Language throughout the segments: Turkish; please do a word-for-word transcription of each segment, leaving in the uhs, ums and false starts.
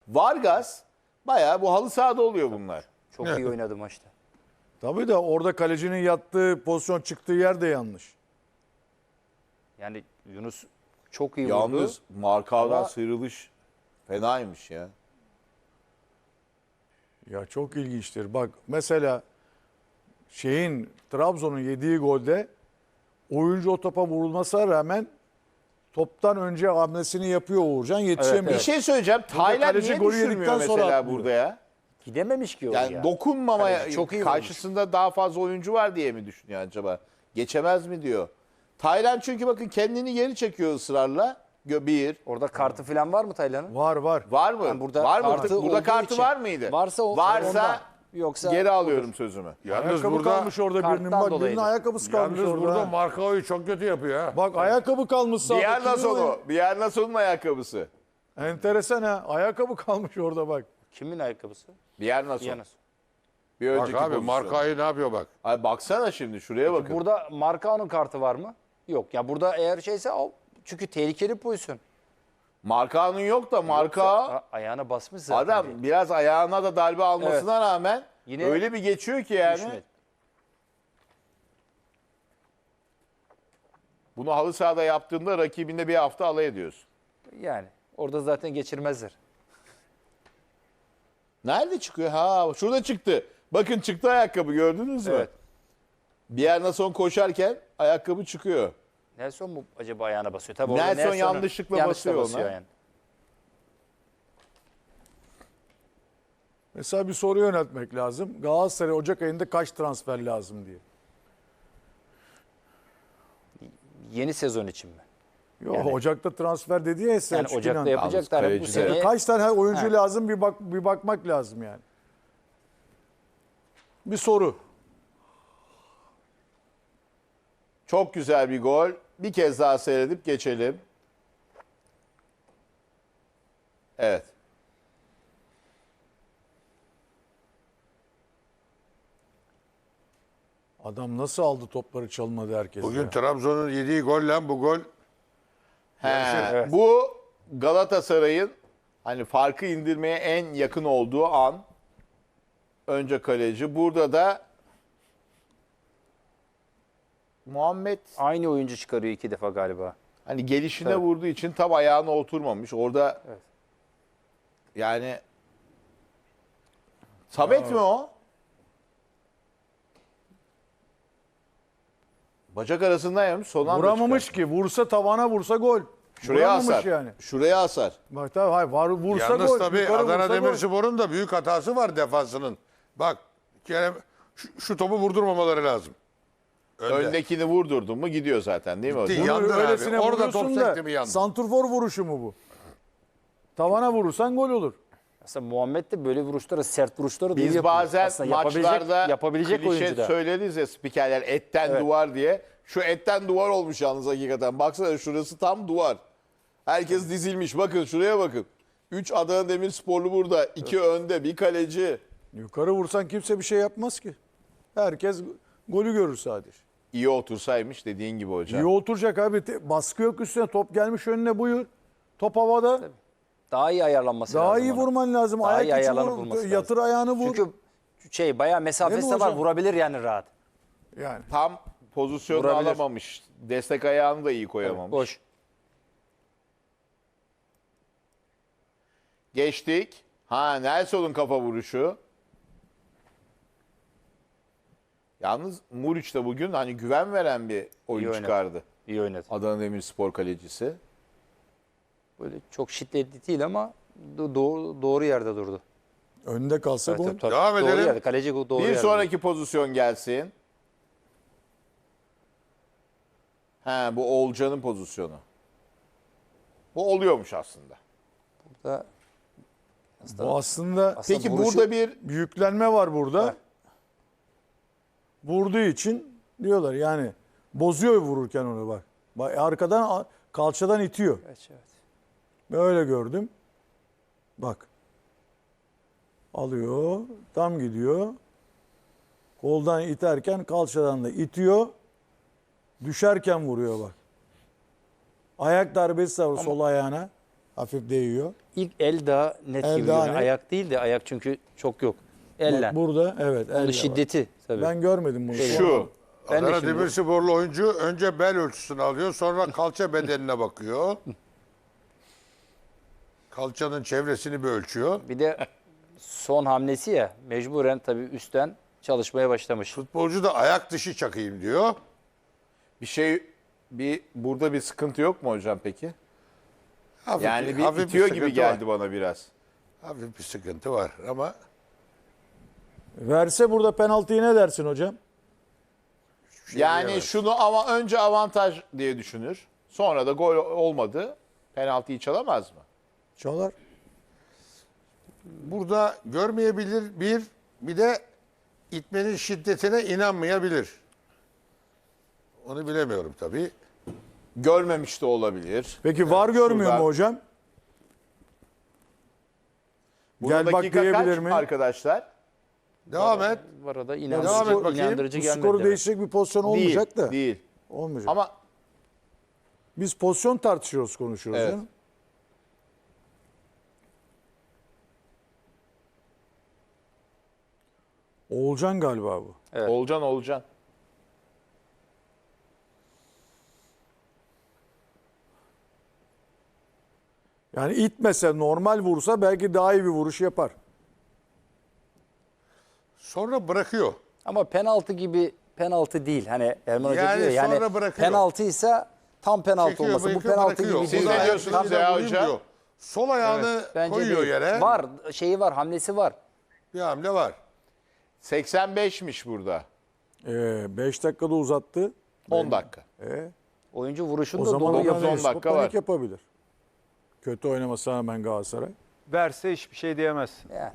Vargas bayağı bu halı sahada oluyor bunlar. Çok iyi oynadı maçta. Tabii de orada kalecinin yattığı pozisyon çıktığı yer de yanlış. Yani Yunus çok iyi Yalnız vurdu. Markav'dan Ama- sıyrılış fenaymış ya. Ya çok ilginçtir. Bak mesela şeyin Trabzon'un yediği golde oyuncu o topa vurulmasına rağmen toptan önce hamlesini yapıyor Uğurcan, yetişemiyor. Bir şey söyleyeceğim. Taylan kaleci niye golü düşürmüyor yedikten sonra mesela atlıyor. burada ya? Gidememiş ki oraya. Yani dokunmamaya Kaleci çok iyi karşısında daha fazla oyuncu var diye mi düşünüyor acaba? Geçemez mi diyor. Taylan çünkü bakın kendini geri çekiyor ısrarla. Gö- Bir. Orada kartı falan var mı Taylan'ın? Var var. Var mı? Yani burada var mı? kartı Burada olduğu kartı için- var mıydı? Varsa o- Varsa ondan. Yoksa geri alıyorum sözümü. Yalnız Ayakkabı burada kalmış orada birinin. karttan Bak birinin dolayıydı. ayakkabısı kalmış yalnız orada. burada ha. Markao'yu çok kötü yapıyor ha. Bak ayakkabı kalmış sağda. Biyernason'u. Biyernason'un ayakkabısı. Enteresan ha. Ayakkabı kalmış orada bak. kimin ayakkabısı? Biyernason. Yanas. Bir Bak önceki abi pozisyon. Markao'yu ne yapıyor bak. Ay baksana şimdi şuraya bakın. Burada Markao'nun kartı var mı? Yok. Ya burada eğer şeyse o çünkü tehlikeli bir pozisyon. Markao'nun yok da Marka A- ayağına basmış zaten. adam diye. biraz ayağına da darbe almasına rağmen Yine öyle bir geçiyor ki yani. Düşmedi. Bunu halı sahada yaptığında rakibinde bir hafta alay ediyorsun. Yani orada zaten geçirmezler. Nerede çıkıyor? Ha şurada çıktı. Bakın çıktı ayakkabı gördünüz mü? Evet. Biyernason koşarken ayakkabı çıkıyor. Nelson mu acaba ayağına basıyor? Tabii orada Nelson Nelson'un yanlışlıkla yanlışlıkla basıyor ona. yani. Mesela bir soru yöneltmek lazım. Galatasaray Ocak ayında kaç transfer lazım diye. Yeni sezon için mi? Yok Yani- Ocak'ta transfer dedi ya Yani Selçuk Ocak'ta İnan. yapacaklar. Bu kaleci de- sene Kaç tane her oyuncu Ha. lazım bir bak bir bakmak lazım yani. Bir soru. Çok güzel bir gol. Bir kez daha seyredip geçelim. Evet. Adam nasıl aldı topları çalmadı herkes. Bugün ya. Trabzon'un yediği golle bu gol He, Evet. Bu Galatasaray'ın hani farkı indirmeye en yakın olduğu an. Önce kaleci. Burada da Muhammed aynı oyuncu çıkarıyor iki defa galiba. hani gelişine Evet. vurduğu için tam ayağına oturmamış. Orada Evet. yani Samet mi o? Bacak arasından yemiş. Son anda Vuramamış çıkar. ki. Vursa tavana vursa gol. Şuraya Vuramamış asar. yani. Şuraya asar. Bak tabii hayır var vursa Yalnız gol. tabii yukarı Adana vursa gol. Demirspor'un da büyük hatası var defansının. Bak Kerem şu, şu topu vurdurmamaları lazım. Önde. Öndekini vurdurdun mu gidiyor zaten değil mi Gitti. hocam? Bunu Yandı abi. öylesine Orada vuruyorsun top da, sekti mi yandı? santrfor vuruşu mu bu? Tavana vurursan gol olur. Aslında Muhammed de böyle vuruşları, sert vuruşları da iyi Biz yapıyor. bazen Aslında yapabilecek, maçlarda yapabilecek klişe oyuncu da. söyleriz ya spikerler etten Evet. duvar diye. Şu etten duvar olmuş yalnız hakikaten. Baksana şurası tam duvar. Herkes dizilmiş. Bakın şuraya bakın. Üç Adana Demirsporlu burada. iki önde. Bir kaleci. Yukarı vursan kimse bir şey yapmaz ki. Herkes golü görür sadece. İyi otursaymış dediğin gibi hocam. İyi oturacak abi. Te- Baskı yok üstüne. Top gelmiş önüne buyur. Top havada. Daha iyi ayarlanması Daha lazım iyi ona. vurman lazım. Daha iyi Ayak içi ayarlanıp vur. vurması Yatır lazım. ayağını vur. Çünkü şey bayağı mesafesi Değil de mi var. hocam? Vurabilir yani rahat. Yani. Tam pozisyonu Vurabilir. alamamış. Destek ayağını da iyi koyamamış. Boş. Geçtik. Ha Nelson'un kafa vuruşu. Yalnız Muriç de bugün hani güven veren bir oyun İyi oynadı. çıkardı. İyi oynadı. Adana Demirspor kalecisi. Böyle çok şiddetli değil ama do- doğru, doğru yerde durdu. Önde kalsa Evet, gol. tabii, tabii. Devam Doğru edelim. yerde. Kaleci doğru Bir yerde. sonraki pozisyon gelsin. He bu Oğulcan'ın pozisyonu. Bu oluyormuş aslında. Da, Bu aslında aslında Peki vuruşu- burada bir yüklenme var burada. Evet. Vurduğu için diyorlar yani bozuyor vururken onu bak. Bak arkadan kalçadan itiyor. Evet, evet. Böyle gördüm. Bak. Alıyor. Tam gidiyor. Koldan iterken kalçadan da itiyor. Düşerken vuruyor bak. Ayak darbesi var sol ayağına. Hafif değiyor. İlk el daha net El gibi daha görünüyor. net. Ayak değil de ayak çünkü çok yok. Elle. Bak burada evet. Onun elle var. şiddeti tabii. Ben görmedim bunu. Şu. Ben de Adana şimdi- Demirsporlu oyuncu önce bel ölçüsünü alıyor, sonra kalça bedenine bakıyor. Kalçanın çevresini bir ölçüyor. Bir de son hamlesi ya mecburen tabii üstten çalışmaya başlamış. Futbolcu da ayak dışı çakayım diyor. Bir şey bir burada bir sıkıntı yok mu hocam peki? Hafif, Yani bir hafif itiyor gibi sıkıntı geldi var. bana biraz. Hafif bir sıkıntı var ama Verse burada penaltıyı ne dersin hocam? şey Yani diyemez. şunu ama önce avantaj diye düşünür. Sonra da gol olmadı. Penaltıyı çalamaz mı? Çalar. burada görmeyebilir bir, bir de itmenin şiddetine inanmayabilir. Onu bilemiyorum tabii. Görmemiş de olabilir. Peki var görmüyor şuradan- mu hocam? Burada Gel bak dakika diyebilir kaç mi? arkadaşlar? Devam et. Bu arada Devam inandırıcı, et bakayım. inandırıcı Bu gelmedi. skoru demek. değiştirecek bir pozisyon olmayacak değil, da. değil. Olmayacak. Ama Biz pozisyon tartışıyoruz, konuşuyoruz. Evet. canım. Oğulcan galiba bu. Evet. Olcan Olcan. Yani itmese, normal vursa belki daha iyi bir vuruş yapar. Sonra bırakıyor. Ama penaltı gibi penaltı değil. Hani Erman Hoca Yani diyor ya, sonra yani bırakıyor. penaltıysa tam penaltı Çekiyor, olması. Bu bırakıyor, penaltı bırakıyor. gibi Siz değil. ne Burada diyorsunuz ayaklarıyla ya vurayım hocam? diyor. Sol ayağını Bence koyuyor değil. yere. Var, şeyi var, hamlesi var. Bir hamle var. seksen beşmiş burada. beş dakikada uzattı. on dakika. E, Oyuncu vuruşunu o da zaman dolu dokuz on yapıyor. yapıyor. dakika Panik var. yapabilir. Kötü oynamasına rağmen Galatasaray. Verse hiçbir şey diyemezsin. Yani.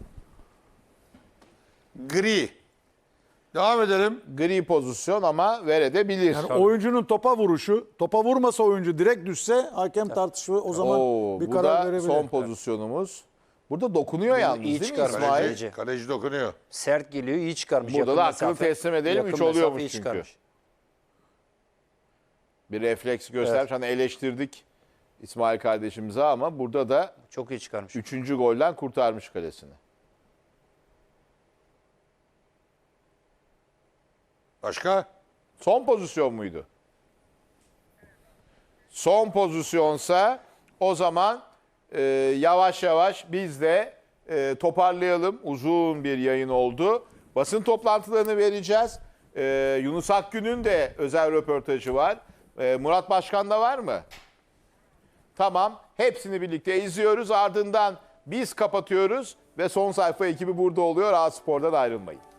Gri. Devam edelim. Gri pozisyon ama verebilir. Yani oyuncunun topa vuruşu, topa vurmasa oyuncu direkt düşse hakem tartışma o zaman Oo, bir bu karar da verebilir. son pozisyonumuz. Burada dokunuyor yalnız iyi değil mi çıkarmış. İsmail? Kaleci. Kaleci, kaleci dokunuyor. Sert geliyor, iyi çıkarmış. Burada Yakın da hakkını mesafe- teslim edelim, yakın üç oluyormuş mesafeyi çünkü. çıkarmış. Bir refleks göstermiş. Hani eleştirdik İsmail kardeşimize ama burada da Çok iyi çıkarmış. üçüncü golden kurtarmış kalesini. Başka? Son pozisyon muydu? Son pozisyonsa o zaman e, yavaş yavaş biz de e, toparlayalım. Uzun bir yayın oldu. Basın toplantılarını vereceğiz. E, Yunus Akgün'ün de özel röportajı var. E, Murat Başkan da var mı? Tamam. Hepsini birlikte izliyoruz. Ardından biz kapatıyoruz ve son sayfa ekibi burada oluyor. A Spor'dan ayrılmayın.